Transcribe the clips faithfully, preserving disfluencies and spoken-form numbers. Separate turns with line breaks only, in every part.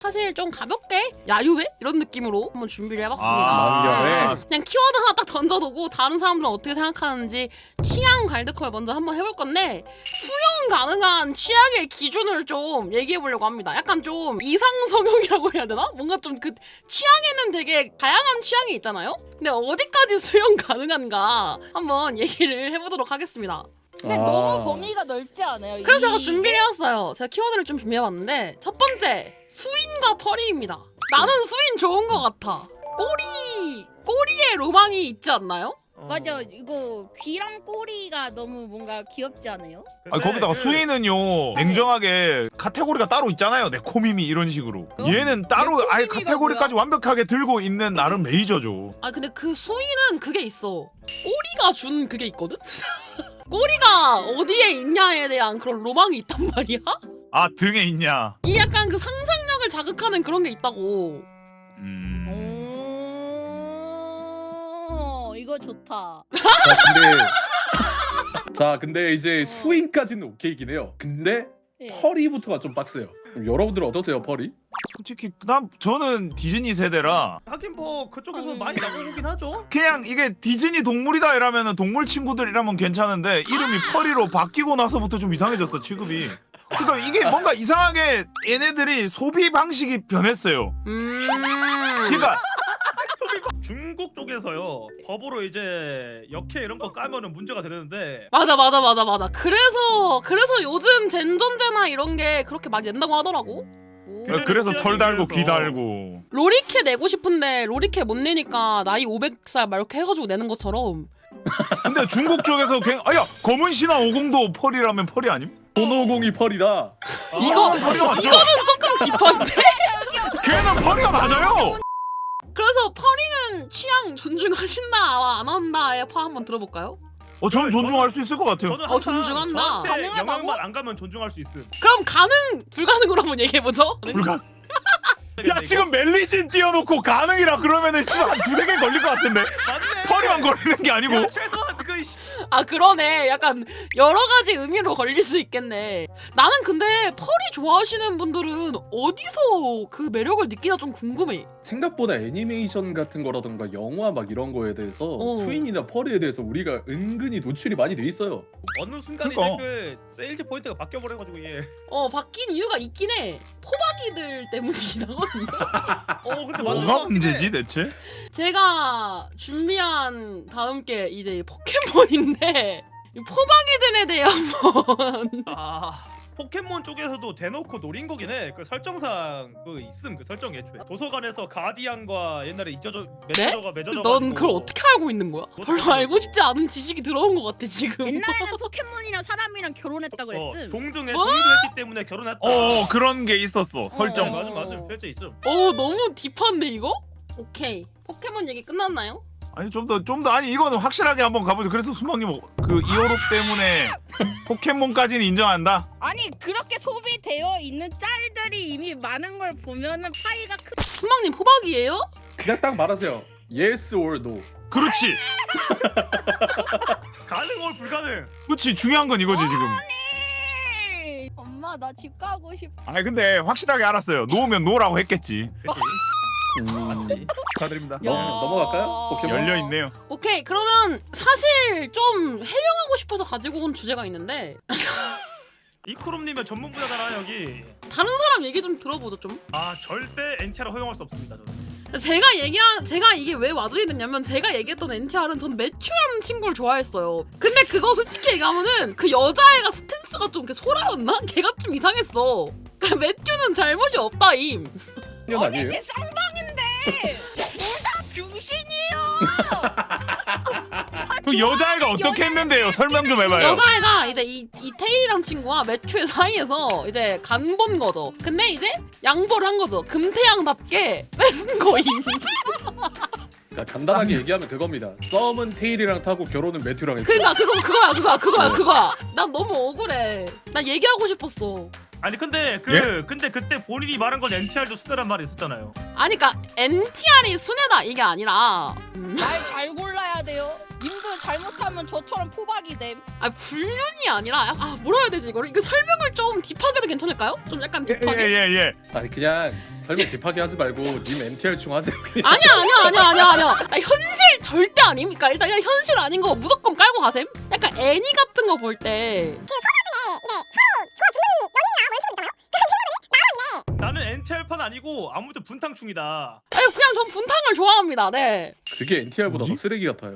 사실 좀 가볍게 야유회 이런 느낌으로 한번 준비를 해봤습니다.
아,
네. 그냥 키워드 하나 딱 던져두고 다른 사람들은 어떻게 생각하는지 취향 갈드콜 먼저 한번 해볼 건데 수용 가능한 취향의 기준을 좀 얘기해보려고 합니다. 약간 좀 이상 성형이라고 해야 되나? 뭔가 좀 그 취향에는 되게 다양한 취향이 있잖아요. 근데 어디까지 수용 가능한가 한번 얘기를 해보도록 하겠습니다.
근데
아.
너무 범위가 넓지 않아요?
그래서
이-
제가 준비를 해왔어요. 제가 키워드를 좀 준비해봤는데 첫 번째 수인과 펄이입니다. 나는 수인 좋은 것 같아. 꼬리 꼬리에 로망이 있지 않나요?
맞아, 이거 귀랑 꼬리가 너무 뭔가 귀엽지 않아요?
아 거기다가
그...
수위는요 냉정하게 카테고리가 따로 있잖아요. 내 코미미 이런 식으로.
어?
얘는 따로
내
아예
코미미가
카테고리까지 완벽하게 들고 있는 나름 메이저죠.
아 근데 그 수인은 그게 있어. 꼬리가 준 그게 있거든? 꼬리가 어디에 있냐에 대한 그런 로망이 있단 말이야?
아 등에 있냐?
이 약간 그 상상력을 자극하는 그런 게 있다고.
음.
오, 이거 좋다.
자 근데 자 근데 이제 수인까지는 오케이긴 해요. 근데
예.
펄이부터가 좀 빡세요. 그럼 여러분들 어떠세요, 펄이?
솔직히 난 저는 디즈니 세대라
하긴 뭐 그쪽에서
음.
많이 나오긴 하죠.
그냥 이게 디즈니 동물이다 이러면은 동물 친구들이라면 괜찮은데 이름이 펄이로 바뀌고 나서부터 좀 이상해졌어 취급이. 그러니까 이게 뭔가 이상하게 얘네들이 소비 방식이 변했어요.
음.
그러니까
중국 쪽에서요 법으로 이제 역해 이런 거 까면은 문제가 되는데
맞아 맞아 맞아 맞아. 그래서 그래서 요즘 젠존제나 이런 게 그렇게 많이 낸다고 하더라고.
오.
그-
그래서 털 달고 귀
그래서.
달고.
로리케 내고 싶은데 로리케 못 내니까 나이 오백 살 막 이렇게 해가지고 내는 것처럼.
근데 중국 쪽에서 그냥 아야 검은 신화 오공도 펄이라면 펄이 아님?
손오공이 펄이다.
이거-
펄이가 맞죠?
이거는 조금 딥한데?
걔는 펄이가 맞아요.
그래서 펄이는 취향 존중하신다 안 한다의 파 한번 들어볼까요?
어, 저는 존중할 수 있을 것 같아요.
저는
어,
항상
존중한다.
저한테
가능하다고?
영향만 안 가면 존중할 수 있음.
그럼 가능 불가능으로 한번 얘기해보죠.
불가. 야 지금 멜리진 띄워놓고 가능이라 그러면은 씨한 두세 개 걸릴 것 같은데
맞네.
펄이만 걸리는 게 아니고.
야, 최소한 그 씨.
아 그러네. 약간 여러 가지 의미로 걸릴 수 있겠네. 나는 근데 펄이 좋아하시는 분들은 어디서 그 매력을 느끼나 좀 궁금해.
생각보다 애니메이션 같은 거라던가 영화 막 이런 거에 대해서
어.
수인이나 펄에 대해서 우리가 은근히 노출이 많이 돼 있어요.
어느 순간
그러니까.
이제 그 세일즈 포인트가 바뀌어 버려가지고 얘.
어 바뀐 이유가 있긴 해. 포박이들 때문이긴 하거든요.
어 근데 맞는 것
뭐가
같긴
문제지
해.
대체?
제가 준비한 다음 게 이제 포켓몬인데 이 포박이들에 대해 한번
아 포켓몬 쪽에서도 대놓고 노린 거긴 해. 그 설정상 그 있음 그 설정 애초에 도서관에서 가디안과 옛날에 잊어져 맺어져가 맺어져.
넌 그걸 어떻게 알고 있는 거야? 별로 알고 싶지 않은 지식이 들어온 것 같아 지금.
옛날에는 포켓몬이랑 사람이랑 결혼했다
어,
그랬음.
동등해
뭐?
동등했기 때문에 결혼했다.
어 그런 게 있었어
네,
설정.
맞음 맞음 실제 있음.
어 너무 딥한데 이거? 오케이 포켓몬 얘기 끝났나요?
아니 좀 더 좀 더 아니 이거는 확실하게 한번 가보죠. 그래서 수망님 그 이호록 때문에 포켓몬까지는 인정한다.
아니 그렇게 소비되어 있는 짤들이 이미 많은 걸 보면은 파이가 크.
순망님 포박이에요?
그냥 딱 말하세요. Yes or no.
그렇지,
가능 or 불가능.
그렇지 중요한 건 이거지 지금.
엄마 나 집 가고 싶어.
아니 근데 확실하게 알았어요. 노면 노라고 했겠지.
그치?
음,
맞지.
축하드립니다.
넘, 넘어갈까요? 포켓몬?
열려 있네요.
오케이 그러면 사실 좀 해명하고 싶어서 가지고 온 주제가 있는데
이쿠rum님의 전문 분야잖아 여기.
다른 사람 얘기 좀 들어보죠 좀.
아 절대 엔체를 허용할 수 없습니다 저는.
제가 얘기한 제가 이게 왜 와중이 됐냐면 제가 얘기했던 엔티알은 전 매튜라는 친구를 좋아했어요. 근데 그거 솔직히 얘기하면은 그 여자애가 스탠스가 좀 이렇게 소라였나? 걔가 좀 이상했어. 그러니까 매튜는 잘못이 없다임.
년 아니에요?
이게 쌍방인데 둘 다 병신이에요.
그 여자애가 어떻게 했는데요? 설명 좀 해봐요.
여자애가 이제 이, 이 테일이랑 친구와 매튜의 사이에서 이제 간 본 거죠. 근데 이제 양보를 한 거죠. 금태양답게 뺏은 거임.
그러니까 간단하게 얘기하면 그겁니다. 썸은 테일이랑 타고 결혼은 매튜랑 했어.
그러니까 그거 그거야 그거야 그거야
네.
그거야. 난 너무 억울해. 난 얘기하고 싶었어.
아니 근데 그
예?
근데 그때 본인이 말한 건 엔티알도 수다란 말이 있었잖아요.
아니 그니까 엔티알이 순애다 이게 아니라 음,
말 잘 골라야 돼요. 님도 잘못하면 저처럼 포박이 됨.
아 불륜이 아니라 약- 아 뭐라 해야 되지 이거를 이거 설명을 좀 딥하게도 괜찮을까요? 좀 약간 딥하게?
예예예 예, 예.
아니 그냥 설명 딥하게 하지 말고 님 엔티알 중 하세요. 그냥.
아니야 아니야 아니야 아니야 아니야 나 현실 절대 아닙니까? 일단 그냥 현실 아닌 거 무조건 깔고 가셈? 약간 애니 같은 거 볼 때
나는 엔티알판 아니고 아무튼 분탕충이다.
아니 그냥 전 분탕을 좋아합니다. 네.
그게 엔티알보다 더
뭐지?
쓰레기 같아요.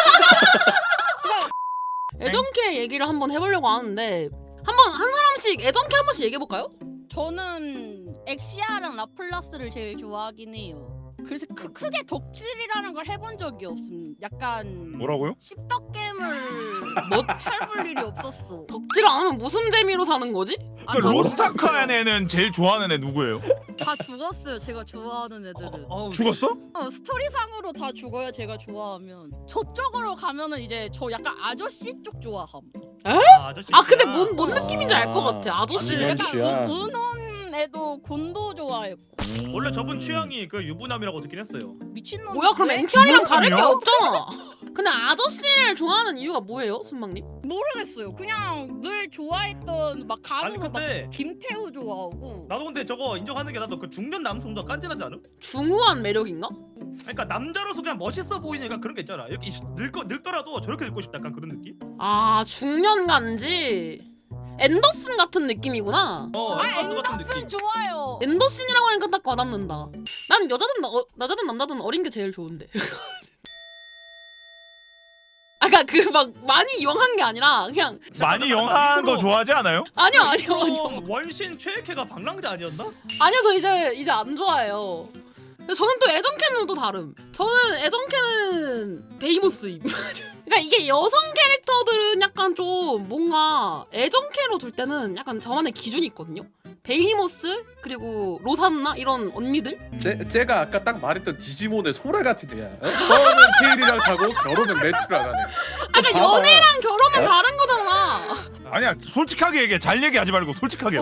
애정캐 얘기를 한번 해보려고 하는데 한번 한 사람씩 애정캐 한 번씩 얘기해 볼까요?
저는 엑시아랑 라플라스를 제일 좋아하긴 해요. 그래서 크, 크게 덕질이라는 걸 해본 적이 없음. 약간
뭐라고요?
씹덕겜을
뭐
해볼 일이 없었어.
덕질 안 하면 무슨 재미로 사는 거지?
아,
그
다
로스타카의 애는 제일 좋아하는 애 누구예요?
죽었어요. 다 죽었어요. 제가 좋아하는 애들은.
어, 어우,
죽었어?
어, 스토리상으로 다 죽어요. 제가 좋아하면. 저쪽으로 가면은 이제 저 약간 아저씨 쪽 좋아함.
아, 아저씨.
아 근데 뭔, 뭔
아,
느낌인지 알 것 같아. 아저씨를
안녕.
약간
취향.
은- 은혼에도 곤도 좋아했고.
원래 저분 취향이 그 유부남이라고 듣긴 했어요.
미친놈.
뭐야 그럼 엔티알이랑 다를 게
그렇군요.
없잖아. 근데 아저씨를 좋아하는 이유가 뭐예요, 순망님?
모르겠어요. 그냥 늘 좋아했던 막
아니
가수 막
근데
김태우 좋아하고.
나도 근데 저거 인정하는 게 나도 그 중년 남성도 깐진하지 않음?
중후한 매력인가?
그러니까 남자로서 그냥 멋있어 보이니까 그런 게 있잖아. 이렇게 이씨 늙어 늙더라도 저렇게 늙고 싶다 약간 그런 느낌?
아 중년간지 앤더슨 같은 느낌이구나.
어,
아
앤더슨 같은
앤더슨
느낌.
좋아요.
앤더슨이라고 하니까 딱 와닿는다. 난 여자든 어, 여자든 남자든 어린 게 제일 좋은데. 아까 그 막 많이 영한 게 아니라 그냥
많이 영한 거 좋아하지 않아요?
아니요 아니요 아니요
그럼 원신 최애캐가 방랑자 아니었나?
아니요 저 이제 이제 안 좋아해요. 근데 저는 또 애정캐는 또 다름. 저는 애정캐는 베이모스임. 그러니까 이게 여성 캐릭터들은 약간 좀 뭔가 애정캐로 둘 때는 약간 저만의 기준이 있거든요. 베이모스 그리고 로산나 이런 언니들.
쟤, 쟤가 아까 딱 말했던 디지몬의 소라 같은 애야. 어? 처음엔 테일이랑 가고 결혼은 매트랑 하네.
아까
봐봐.
연애랑 결혼은 다른 거잖아.
아니야 솔직하게 얘기해. 잘 얘기하지 말고 솔직하게.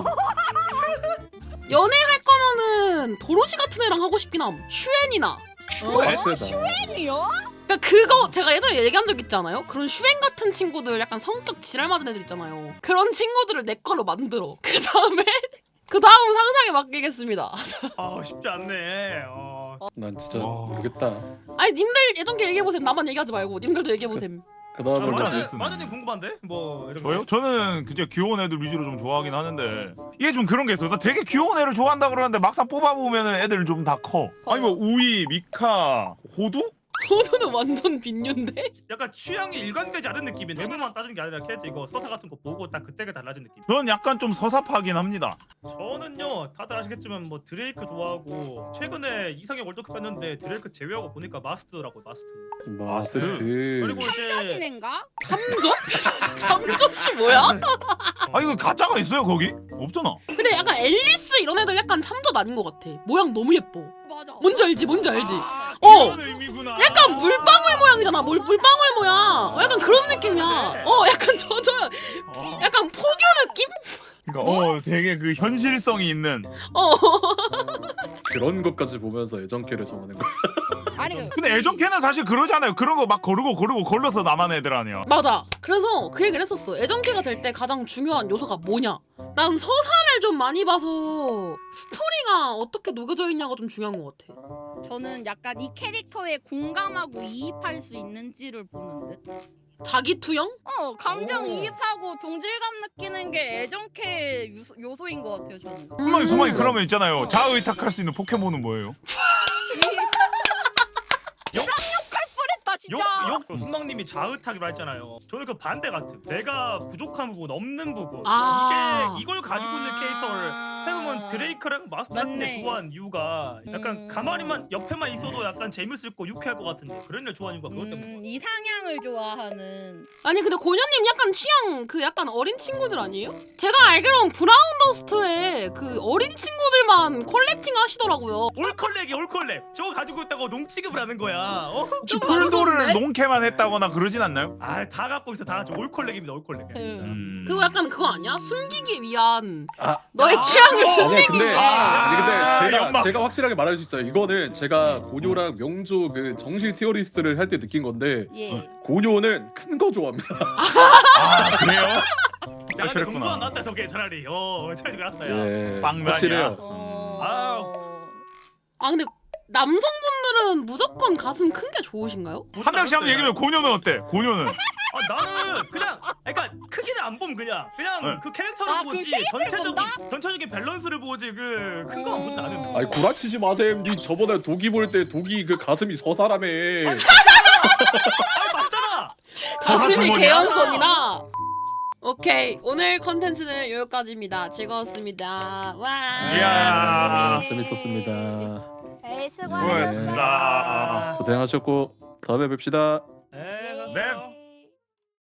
연애할 거면은 도로시 같은 애랑 하고 싶긴 함. 슈엔이나.
팬이요?
그러니까 그거 제가 예전에 얘기한 적 있잖아요. 그런 슈엔 같은 친구들 약간 성격 지랄 맞은 애들 있잖아요. 그런 친구들을 내 거로 만들어. 그 다음에 그 다음 상상에 맡기겠습니다.
아 쉽지 않네. 어.
난 진짜
와.
모르겠다.
아니 님들 예전께 얘기해보셈. 나만 얘기하지 말고 님들도 얘기해보셈.
그 다음에
깜짝
마자님
놀랐네.
마자님 궁금한데? 뭐 이런
저요?
거.
저는 그저 귀여운 애들 위주로 좀 좋아하긴 하는데 이게 좀 그런 게 있어요. 나 되게 귀여운 애를 좋아한다 그러는데 막상 뽑아보면 애들 좀 다 커. 아니 뭐 우이, 미카, 호두?
호두는 완전 빈윤데?
약간 취향이 일관되지 않은 느낌이 외모만 따지는 게 아니라 캐릭터 이거 서사 같은 거 보고 딱 그때가 달라진 느낌.
저는 약간 좀 서사파긴 합니다.
저는요 다들 아시겠지만 뭐 드레이크 좋아하고 최근에 이상형 월드컵 갔는데 드레이크 제외하고 보니까 마스트더라고 마스트.
마스트.
그리고 이제
신인가?
잠정? 잠정씨 뭐야?
아 이거 가짜가 있어요 거기? 없잖아.
근데 약간 앨리스 이런 애들 약간 참젓 아닌 것 같아. 모양 너무 예뻐.
맞아.
뭔지 알지? 뭔지 알지?
아,
어!
그런 의미구나.
약간 물방울 모양이잖아. 물, 물방울 모양. 어, 약간 그런 느낌이야. 어, 약간 저, 저,
어.
약간 포교 느낌?
그러니까 어 되게 그 현실성이 있는.
어.
그런 것까지 보면서 애정캐를 정하는 거.
아니 그
근데 애정캐는 사실 그러잖아요. 그런 거 막 거르고 거르고 걸러서 남한 애들 아니야.
맞아. 그래서 그 얘기를 했었어. 애정캐가 될 때 가장 중요한 요소가 뭐냐? 난 서사를 좀 많이 봐서 스토리가 어떻게 녹여져 있냐가 좀 중요한 것 같아.
저는 약간 이 캐릭터에 공감하고 이입할 수 있는지를 보는 듯.
자기 투영?
어 감정
오.
이입하고 동질감 느끼는 게 애정캐 요소, 요소인 것 같아요 저는.
수망이 수망이
음.
그러면 있잖아요. 자의탁할 수 있는 포켓몬은 뭐예요?
뻔했다 진짜.
욕욕 순망님이 자의탁이라 했잖아요. 저는 그 반대 같은. 내가 부족한 부분, 없는 부분.
아.
이게 이걸 가지고 있는
아.
캐릭터를 세우면 드레이크랑 마스터 같은 데
맞네.
좋아하는 이유가 약간
음.
가만히만 옆에만 있어도 약간 재밌을 거 유쾌할 것 같은데 그런 애 좋아하는 이유가 그것 때문에.
음, 이상향을 좋아하는.
아니 근데 고녀님 약간 취향 그 약간 어린 친구들 아니에요? 제가 알기로는 브라운 더스트에 그 어린 친구들만 컬렉팅 하시더라고요.
올컬렉이 올컬렉. 저거 가지고 있다고 농취급을 하는 거야. 어?
혹시
좀
폴도를
어려운데?
본캐만 했다거나 그러진 않나요?
아다 갖고 있어 다 같이 올콜렉입니다 올콜렉.
음.
그거 약간 그거 아니야? 숨기기 위한
아,
너의
아,
취향을
그거.
아니
숨기기
근데
위해.
아니 근데
아,
제가
연막.
제가 확실하게 말할 수 있어요. 이거는 제가 고뇨랑 명조 그 정실 티어리스트를 할 때 느낀 건데
예.
고뇨는 큰 거 좋아합니다.
아 그래요?
야 근데
그랬구나.
공부 안 났다 저게 차라리. 어 차라리 낫다 야.
예,
빵면이야.
확실해요.
어...
아 근데 남성분들은 무조건 가슴 큰 게 좋으신가요?
한 명씩 한번 얘기해요. 고뇨는 어때? 고뇨는
아 나는 그냥 그러니까 크기는 안 보면 그냥 그냥
네.
그 캐릭터를
아, 그
보지
쉐입을
전체적인
본다?
전체적인 밸런스를 보지 그 큰 거 안 보지 나는.
아니 구라치지 마셈. 니 저번에 독이 볼 때 독이 그 가슴이 서사라며.
아니 맞잖아.
가슴이
주머니야?
개연선이나. 오케이 오늘 컨텐츠는 여기까지입니다. 즐거웠습니다. 와.
이야.
재밌었습니다.
에이,
수고하셨습니다.
고생하셨고 다음에 뵙시다.
네.
네.
갔어요.